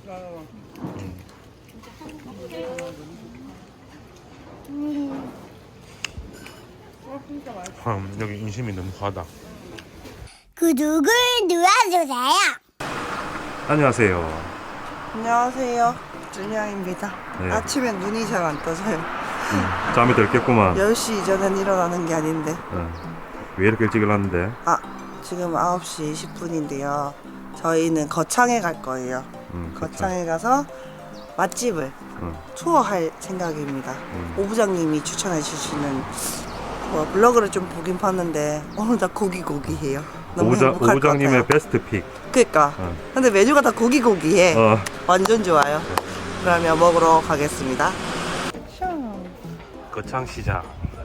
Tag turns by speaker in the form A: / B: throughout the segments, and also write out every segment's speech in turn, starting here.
A: 여기 인심이 너무 과하다.
B: 구독을 눌러주세요.
A: 안녕하세요.
C: 안녕하세요. 준영입니다.
A: 네.
C: 아침엔 눈이 잘 안 떠져요.
A: 잠이 들겠구만.
C: 10시 이전엔 일어나는 게 아닌데.
A: 왜 이렇게 일찍 일어났는데?
C: 지금 9시 20분인데요. 저희는 거창에 갈 거예요. 거창에 가서 맛집을 투어할 생각입니다. 오 부장님이 추천해 주시는 블로그를 좀 보긴 봤는데 오늘 다 고기해요. 너무 행복할 것
A: 오부장님의
C: 같아요.
A: 베스트 픽.
C: 그니까 근데 메뉴가 다 고기해. 완전 좋아요. 그러면 먹으러 가겠습니다.
A: 거창시장.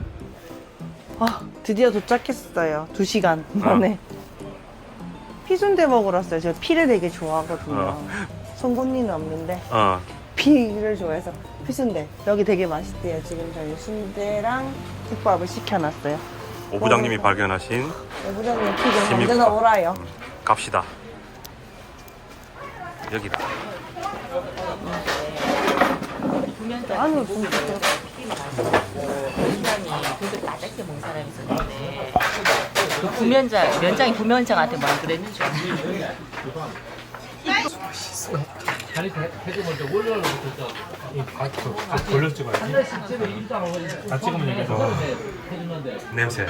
C: 드디어 도착했어요. 2시간 만에. 피순대 먹으러 왔어요. 제가 피를 되게 좋아하거든요. 송곳니는 없는데 피를 좋아해서 피순대. 여기 되게 맛있대요. 지금 저희 순대랑 국밥을 시켜놨어요.
A: 오부장님이 발견하신
C: 오부장님 피가
A: 시민국밥.
C: 언제나 오라요.
A: 갑시다. 여기다.
C: 안으로 진짜
D: 면장이 그렇게 낮게 먹는 사람이 있었는데 그 면장이 부면장한테 뭐라 그랬는지
E: 다리 해도 먼저 올려놓고 돌려 찍어야지. 다 찍으면 여기서
A: 냄새.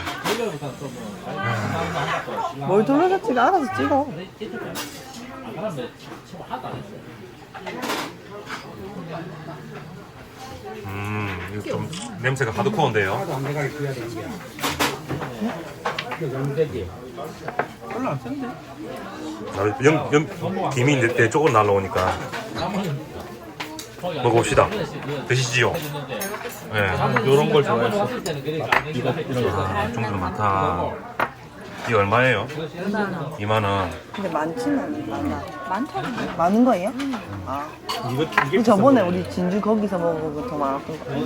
C: 뭘 돌려서 찍어. 알아서 찍어.
A: 이거 좀 냄새가 하드코어인데요.
E: 별로 안 센데?
A: 김이 내 쪽으로 날라오니까 먹어봅시다. 드시지요. 네.
E: 이런 걸 좋아했어.
A: 종류가 많다. 이게 얼마예요? 2만 원.
C: 근데 많지는 않아. 많은 거예요?
E: 이게
C: 저번에 우리 진주 거기서 먹은 거 더 많았던 거 같아요.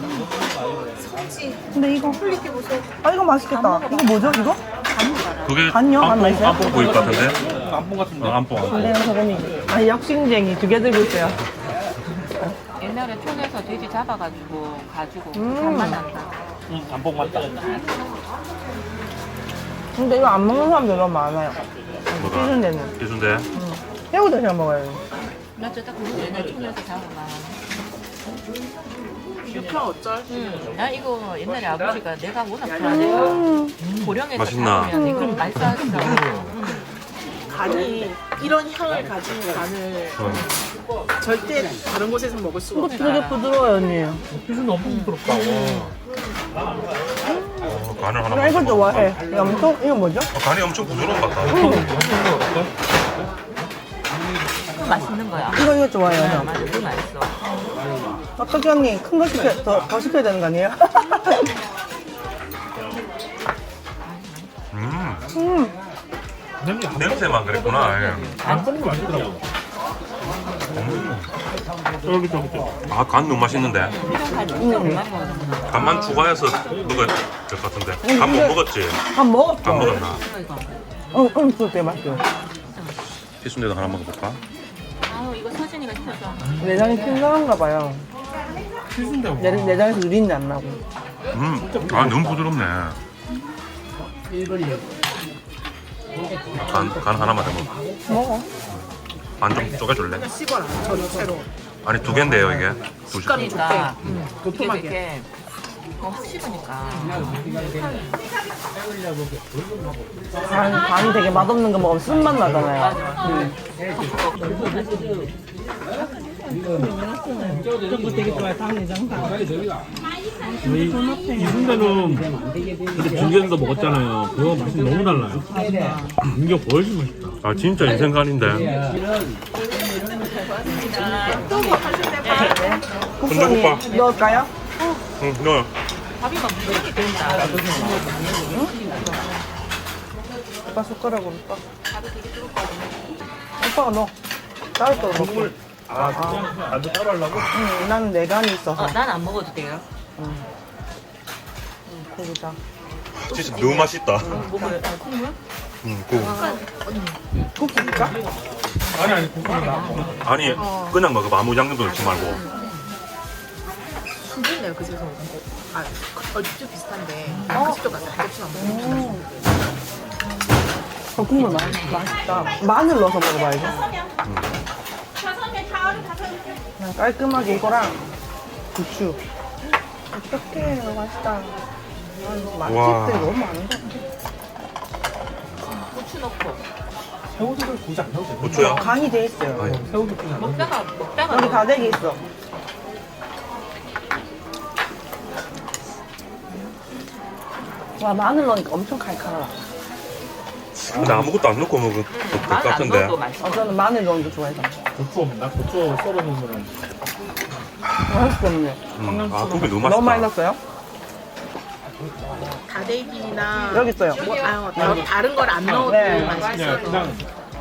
C: 근데 이거 이거 맛있겠다. 이거 뭐죠 이거?
A: 그게
C: 간요? 간 맛있어요?
A: 안뽕 보일 것 같은데?
E: 안봉 같은데.
A: 안뽕.
C: 근데요 저번에 역싱쟁이 2개 들고 있어요.
D: 옛날에 촌에서 돼지 잡아가지고 가지고 간만 난다.
E: 안봉 맞다.
C: 근데 이거 안 먹는 사람들 너무 많아요. 피순대는.
A: 피순대.
C: 새우도 그냥 먹어요.
D: 나 저딱 그거 옛날 촌에서 잡아가. 육회 어쩔? 나 이거 옛날에 아버지가 내가 워낙 좋아해서 고령에서
A: 맛있나?
D: 잡으면 이거 맛있어.
F: 간이 이런 향을 가진 간을 절대 다른 곳에서 먹을 수가 없어요.
C: 되게 부드러워요 언니.
E: 피순 너무 부드럽다.
A: 간을 하나
C: 나 이거
A: 먹어봐.
C: 좋아해. 이거 뭐죠?
A: 간이 엄청 부드러운 것 같다.
D: 맛있는 거야.
C: 이거 좋아해요 형.
D: 맞아, 그거 맛있어.
C: 어떻게 언니 큰 거 더 시켜야 되는 거 아니에요?
A: 냄새만 그랬구나. 예.
E: 안봉도 맛있더라고.
A: 간 너무 맛있는데. 간만 추가해서 먹어야 될 것 같은데. 간 못 먹었지?
C: 한 먹었어.
A: 간 먹었나?
C: 그거 되게 맛있어요.
A: 피순대도 하나 먹어볼까?
D: 이거 서진이가 시켰어.
C: 내장이 튼튼한가 봐요.
E: 피순대 뭐.
C: 내장에서 유린내 안 나고.
A: 너무 부드럽네. 간 하나만 더 먹어.
C: 먹어.
A: 반 좀 쪼개줄래?
F: 씹어라. 전체로.
A: 아니 2개인데요 이게.
D: 그러니까 이게
F: 도톰하게.
D: 이렇게 씹으니까.
C: 간이 되게 맛없는 거 먹으면 쓴맛 나잖아요.
E: 이 순대는 그때 중계에서 먹었잖아요. 그거 맛이 너무 달라요. 이게 훨씬 맛있다.
A: 아 진짜 인생간인데.
C: 국수니 넣을까요?
A: 응, 넣어요.
D: 밥이 막 무지하게 된다.
C: 오빠 숟가락으로 떠. 오빠가 넣어. 따로 떠 넣고.
E: 나도 따로 하려고?
C: 응, 나는 내간이 있어서.
D: 난 안 먹어도 돼요.
C: 고기다.
A: 진짜 너무 맛있다.
D: 먹어요. 콩물?
A: 국.
C: 국수니까?
E: 아니 고소합니다.
A: 아니 그냥 먹어봐. 아무 양념도 넣지 말고.
F: 순진네요 그 집에서 먹은 거. 아 얼핏 비슷한데 그 집도 가서 한 접시만 먹으면
C: 국물 맛있다. 마늘 넣어서 먹어봐야지. 그냥 깔끔하게 이거랑 고추. 어떡해, 맛있다. 맛집들이 너무 많은 것 같아.
D: 고추 넣고
E: 새우젓을 굳이 안 넣어도 돼요.
A: 고추야?
C: 간이 돼 있어요.
A: 아니.
E: 새우젓 그냥
D: 먹다가
C: 여기 다대기 있어. 와, 마늘 넣으니까 엄청 칼칼하다.
A: 근데 아무것도 안 넣고 먹을 것
D: 마늘 안
A: 같은데.
D: 넣어도 맛있어.
C: 저는 마늘 넣는 거 좋아해서.
E: 고추 없나? 고추 썰어 놓으면
C: 맛있겠네.
A: 아 고기 너무 맛있다.
C: 너무 많이 넣었어요?
F: 다대기나
C: 여기 있어요.
F: 뭐 다른 걸 안 넣어도
C: 네.
F: 맛있어서
E: 그냥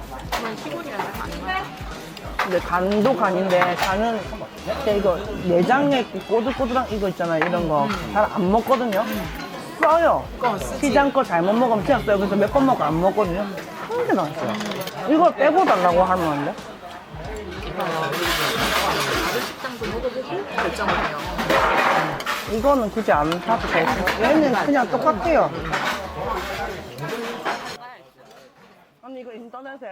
C: 근데 간도 간인데 간은 진짜 이거 내장에 꼬들꼬들한 이거 있잖아요. 이런 거 잘 안 먹거든요. 써요. 시장 거 잘못 먹으면 그냥 써요. 그래서 몇 번 먹고 안 먹거든요. 한개 나왔어요. 이걸 빼고 달라고 하면 안 돼?
F: 다른 식당도 먹어보고 결정을 해요.
C: 이거는 굳이 안 사도 돼요. 얘는 그냥 똑같아요. 아니 이거 인터넷에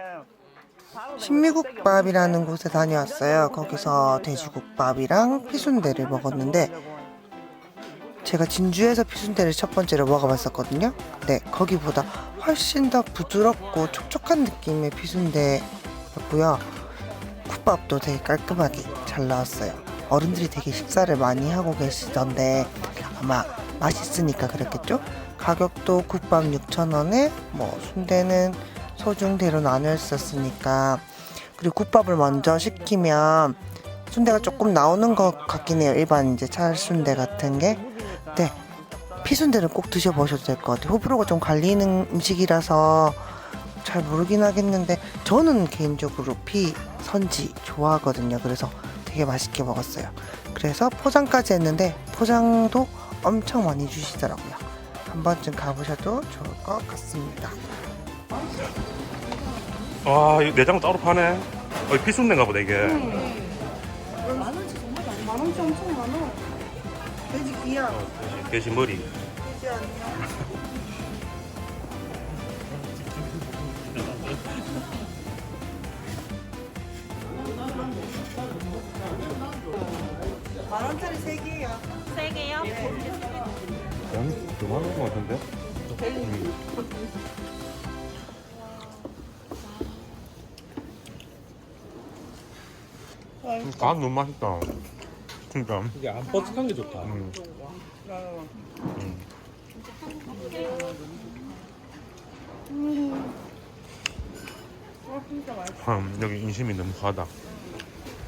G: 신미국밥이라는 곳에 다녀왔어요. 거기서 돼지국밥이랑 피순대를 먹었는데 제가 진주에서 피순대를 첫 번째로 먹어봤었거든요. 근데 거기보다 훨씬 더 부드럽고 촉촉한 느낌의 피순대였고요. 국밥도 되게 깔끔하게 잘 나왔어요. 어른들이 되게 식사를 많이 하고 계시던데 아마 맛있으니까 그랬겠죠? 가격도 국밥 6,000원에 뭐 순대는 소중대로 나눠 있었으니까, 그리고 국밥을 먼저 시키면 순대가 조금 나오는 것 같긴 해요. 일반 이제 찰순대 같은 게. 네, 피순대는 꼭 드셔보셔도 될 것 같아요. 호불호가 좀 갈리는 음식이라서 잘 모르긴 하겠는데 저는 개인적으로 피선지 좋아하거든요. 그래서 되게 맛있게 먹었어요. 그래서 포장까지 했는데 포장도 엄청 많이 주시더라고요. 한 번쯤 가보셔도 좋을 것 같습니다.
A: 아 이거 내장 따로 파네. 피순대인가 보다 이게.
C: 만원치 엄청 많아. 돼지 귀야.
A: 돼지 머리.
C: 만원짜리 3개예요.
A: 양이 그만한 것 같은데? 간 너무 맛있다. 진짜.
E: 이게 안 뻑뻑한 게 좋다.
A: 여기 인심이 너무 과하다.